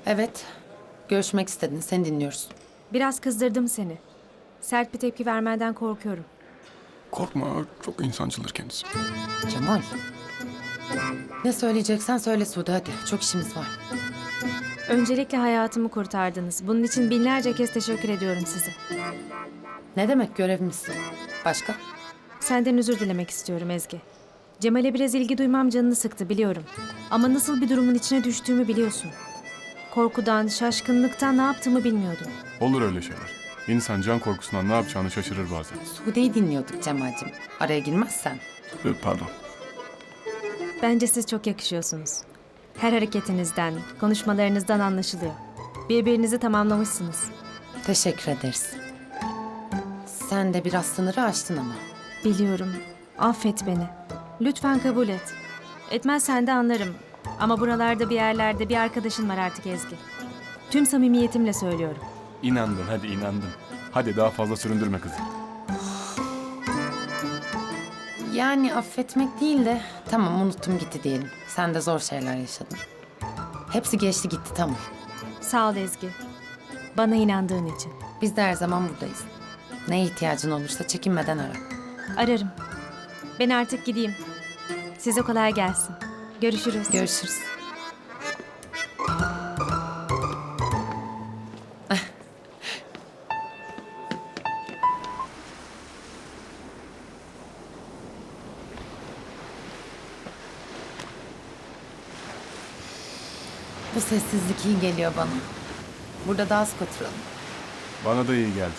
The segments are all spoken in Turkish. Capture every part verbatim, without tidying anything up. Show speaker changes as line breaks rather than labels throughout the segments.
Evet. Görüşmek istedin. Seni dinliyoruz.
Biraz kızdırdım seni. Sert bir tepki vermenden korkuyorum.
Korkma, çok insancıldır kendisi.
Cemal. Ne söyleyeceksen söyle Sude hadi. Çok işimiz var.
Öncelikle hayatımı kurtardınız. Bunun için binlerce kez teşekkür ediyorum size.
Ne demek görevimiz? Başka?
Senden özür dilemek istiyorum Ezgi. Cemal'e biraz ilgi duymam canını sıktı biliyorum. Ama nasıl bir durumun içine düştüğümü biliyorsun. Korkudan, şaşkınlıktan ne yaptığımı bilmiyordum.
Olur öyle şeyler. İnsan can korkusundan ne yapacağını şaşırır bazen.
Sude'yi dinliyorduk Cemal'cim. Araya girmezsen.
Ee, Pardon.
Bence siz çok yakışıyorsunuz. Her hareketinizden, konuşmalarınızdan anlaşılıyor. Birbirinizi tamamlamışsınız.
Teşekkür ederiz. Sen de biraz sınırı aştın ama.
Biliyorum. Affet beni. Lütfen kabul et. Etmezsen de anlarım. Ama buralarda bir yerlerde bir arkadaşın var artık Ezgi. Tüm samimiyetimle söylüyorum.
İnandın, hadi inandın. Hadi daha fazla süründürme kızı.
Yani affetmek değil de tamam unuttum gitti diyelim. Sen de zor şeyler yaşadın. Hepsi geçti gitti tamam.
Sağ ol Ezgi. Bana inandığın için.
Biz de her zaman buradayız. Neye ihtiyacın olursa çekinmeden ara.
Ararım. Ben artık gideyim. Size kolay gelsin. Görüşürüz.
Görüşürüz. Bu sessizlik iyi geliyor bana. Burada daha sık oturalım.
Bana da iyi geldi.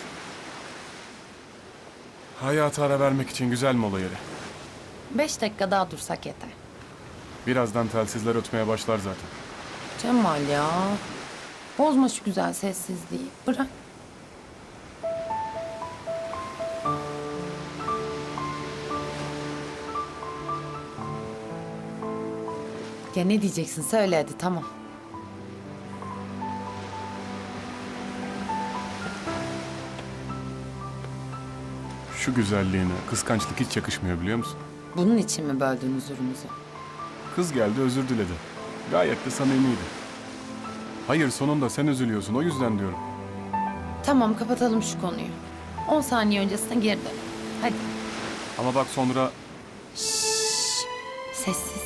Hayata ara vermek için güzel mola yeri.
Beş dakika daha dursak yeter.
Birazdan telsizler ötmeye başlar zaten.
Cemal ya. Bozma şu güzel sessizliği. Bırak. Ya ne diyeceksin söyle hadi tamam.
Şu güzelliğine kıskançlık hiç yakışmıyor biliyor musun?
Bunun için mi böldün huzurumuzu?
Kız geldi özür diledi. Gayet de samimiydi. Hayır sonunda sen üzülüyorsun o yüzden diyorum.
Tamam kapatalım şu konuyu. On saniye öncesine geri dön. Hadi.
Ama bak sonra
Sessiz.